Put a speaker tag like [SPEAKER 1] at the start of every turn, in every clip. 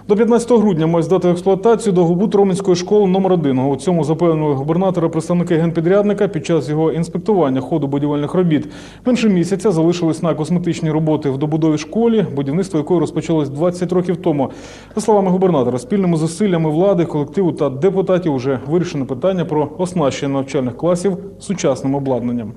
[SPEAKER 1] До 15 грудня мають здати в експлуатацію довгобуд Роменської школи номер 1. У цьому запевнили губернатора представники генпідрядника під час його інспектування ходу будівельних робіт. Менше місяця залишились на косметичні роботи в добудовій школі, будівництво якої розпочалось 20 років тому. За словами губернатора, спільними зусиллями влади, колективу та депутатів вже вирішено питання про оснащення навчальних класів сучасним обладнанням.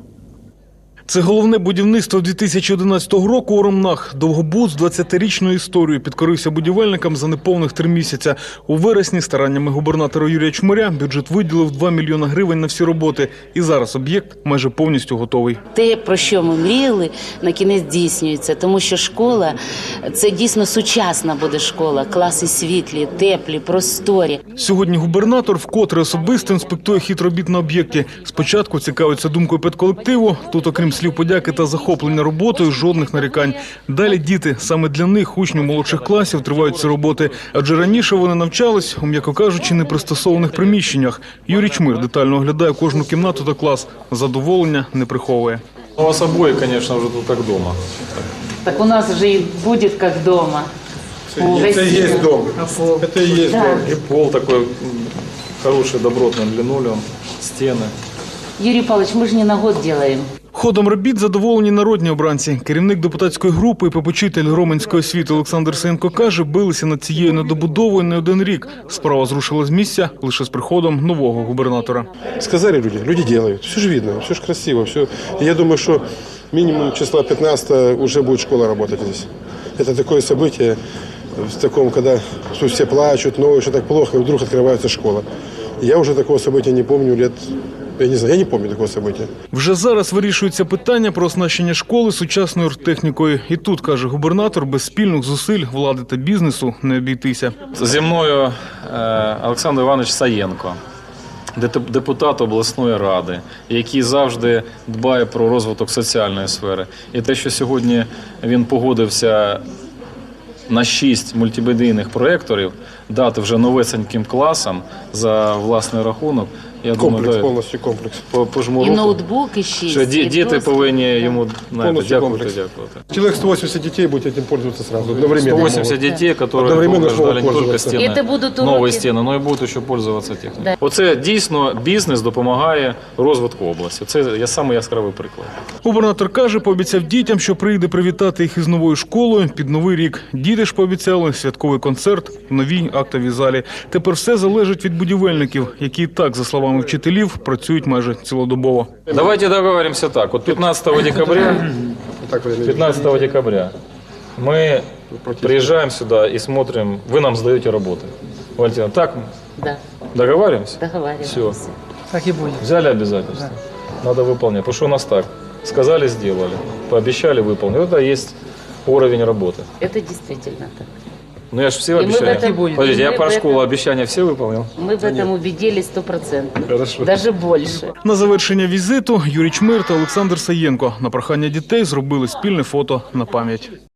[SPEAKER 1] Це головне будівництво 2011 року у Ромнах. Довгобуд з 20-річною історією підкорився будівельникам за неповних 3 місяця. У вересні стараннями губернатора Юрія Чмиря бюджет виділив 2 мільйони гривень на всі роботи. І зараз об'єкт майже повністю готовий.
[SPEAKER 2] Те, про що ми мріяли, на кінець здійснюється. Тому що школа – це дійсно сучасна буде школа. Класи світлі, теплі, просторі.
[SPEAKER 1] Сьогодні губернатор вкотре особисто інспектує хід робіт на об'єкті. Спочатку цікавиться думкою педколективу. Тут, окрім слів подяки та захоплення роботою, жодних нарікань. Далі діти. Саме для них, учнів молодших класів, тривають ці роботи. Адже раніше вони навчались у, м'яко кажучи, непристосованих приміщеннях. Юрій Чмир детально оглядає кожну кімнату та клас. Задоволення не приховує.
[SPEAKER 3] У вас обои, конечно, уже тут как дома.
[SPEAKER 2] Так у нас вже і буде як вдома.
[SPEAKER 4] Это и есть дом. Это и есть дом.
[SPEAKER 3] И пол такой хороший, добротный линолеум, стены.
[SPEAKER 2] Юрій Павлович, ми ж не на год робимо.
[SPEAKER 1] Ходом робіт задоволені народні обранці. Керівник депутатської групи і попечитель Роменської освіти Олександр Саєнко каже, билися над цією недобудовою не один рік. Справа зрушила з місця лише з приходом нового губернатора.
[SPEAKER 4] Сказали люди делают. Все же видно, все же красиво. Все. И я думаю, что минимум числа 15 уже будет школа работать здесь. Это такое событие, в таком, когда все плачут, но еще так плохо, и вдруг открывается школа. Я уже такого события не помню лет... Я не знаю, я не пам'ятаю такого события.
[SPEAKER 1] Вже зараз вирішується питання про оснащення школи сучасною оргтехнікою. І тут, каже губернатор, без спільних зусиль влади та бізнесу не обійтися.
[SPEAKER 3] Зі мною Олександр Іванович Саєнко, депутат обласної ради, який завжди дбає про розвиток соціальної сфери. І те, що сьогодні він погодився на 6 мультимедійних проєкторів дати вже новесеньким класам за власний рахунок. Я
[SPEAKER 4] Комплекс,
[SPEAKER 3] думаю,
[SPEAKER 4] повністю комплекс.
[SPEAKER 3] Пожму
[SPEAKER 2] І
[SPEAKER 3] руку,
[SPEAKER 2] ноутбук, і 6.
[SPEAKER 3] що діти повинні йому
[SPEAKER 4] Повністю комплекс.
[SPEAKER 3] дякувати.
[SPEAKER 4] Человек 180 детей будет этим пользоваться сразу, одновременно.
[SPEAKER 3] 180 детей, которые
[SPEAKER 4] Одновременно
[SPEAKER 3] ждали не только
[SPEAKER 4] пользоваться.
[SPEAKER 3] стены,
[SPEAKER 2] Это будут
[SPEAKER 3] новые
[SPEAKER 2] уроки.
[SPEAKER 3] стіни, але й будуть ще пользуватися технікою.
[SPEAKER 2] Да.
[SPEAKER 3] Оце дійсно бізнес допомагає розвитку області. Це самий яскравий приклад.
[SPEAKER 1] Губернатор каже, пообіцяв дітям, що прийде привітати їх із новою школою під Новий рік. Діти ж пообіцяли святковий концерт в новій актовій залі. Тепер все залежить від будівельників, які і так, за словами вчителів, працюють майже цілодобово.
[SPEAKER 3] Давайте договоримся так. Вот 15 декабря мы приезжаем сюда и смотрим, вы нам сдаете работы. Валентина, так
[SPEAKER 2] Да,
[SPEAKER 3] договариваемся?
[SPEAKER 2] договариваемся.
[SPEAKER 3] Все. Так и будет. Взяли обязательства. Да. Надо выполнять. Потому что у нас так. Сказали, сделали. Пообещали, выполнили. Это есть уровень работы.
[SPEAKER 2] Это действительно так.
[SPEAKER 3] Ну я же все
[SPEAKER 2] И мы в
[SPEAKER 3] обещания.
[SPEAKER 2] этом-
[SPEAKER 3] Подождите,
[SPEAKER 2] и
[SPEAKER 3] я
[SPEAKER 2] мы
[SPEAKER 3] про
[SPEAKER 2] в
[SPEAKER 3] школу
[SPEAKER 2] этом-
[SPEAKER 3] обещания все выполнил?
[SPEAKER 2] Мы в этом убедились 100%.
[SPEAKER 3] Хорошо.
[SPEAKER 2] Даже больше.
[SPEAKER 1] На завершення візиту Юрій Чмир та Олександр Саєнко на прохання дітей зробили спільне фото на пам'ять.